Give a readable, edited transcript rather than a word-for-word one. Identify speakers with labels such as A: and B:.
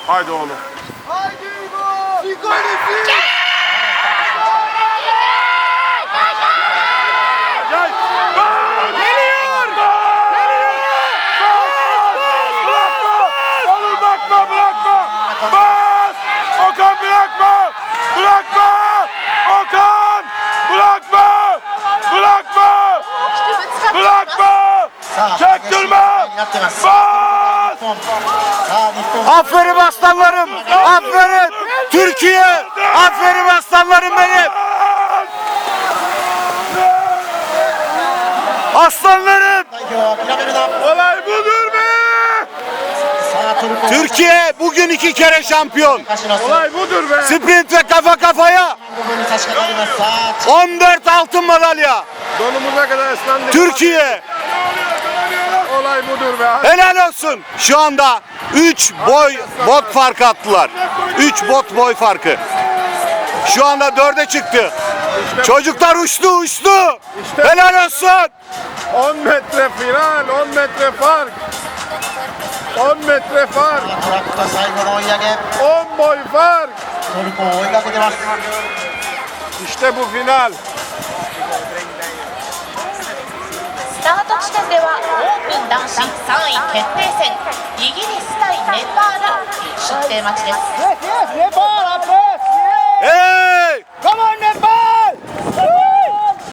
A: Haydi oğlum.
B: Haydi İbo! Nikolisi!
A: Geliyor! Oğlum bırakma, bırakma! Bas! Okan bırakma! Bırakma! Okan! Bırakma! Bırakma! Bırakma! Çaktırma! Bas!
C: Aferin aslanlarım. Aferin. Türkiye. Aferin aslanlarım benim. Aslanlarım.
A: Olay budur be!
C: Türkiye bugün 2 kere şampiyon.
A: Olay budur be!
C: Sprint ve kafa kafaya 14 altın madalya.
A: Donumuza kadar ıslandık.
C: Türkiye.
A: Olay budur be!
C: Helal olsun. Şu anda 3 bot farkı attılar. 3 bot boy farkı. Şu anda 4'e çıktı. Çocuklar uçtu. Helal olsun.
A: 10 metre final, 10 metre fark. 10 metre fark, 10 boy fark. İşte bu final.
D: スタート地点ではオープン男子3位決定戦イギリス対ネパール出廷待ちです。
B: Nepal, Abbas!
C: Hey!
B: Come on, Nepal!